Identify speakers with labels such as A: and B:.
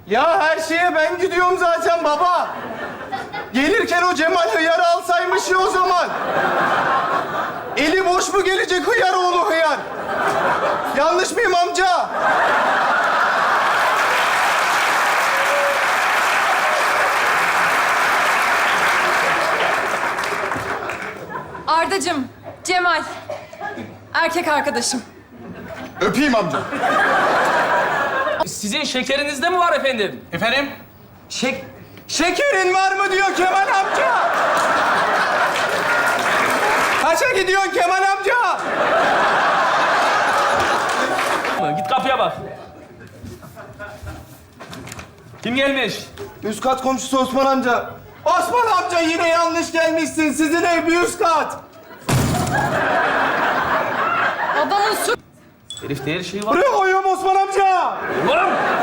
A: Ya her şeye ben gidiyorum zaten baba. Gelirken o Cemal hıyarı alsaymış ya o zaman. Eli boş mu gelecek hıyar oğlu hıyar? Yanlış mıyım amca?
B: Ardacığım, Cemal. Erkek arkadaşım.
A: Öpeyim amca.
C: Sizin şekerinizde mi var efendim?
D: Efendim?
A: Şekerin var mı diyor Kemal amca. Kaça gidiyorsun Kemal amca?
C: Git kapıya bak. Kim gelmiş?
A: Üst kat komşusu Osman amca. Osman amca yine yanlış gelmişsin. Sizin ev bir üst kat.
B: Adamın su...
C: Herifte her şey var.
A: Buraya koyuyorum Osman amca.
C: Oğlum!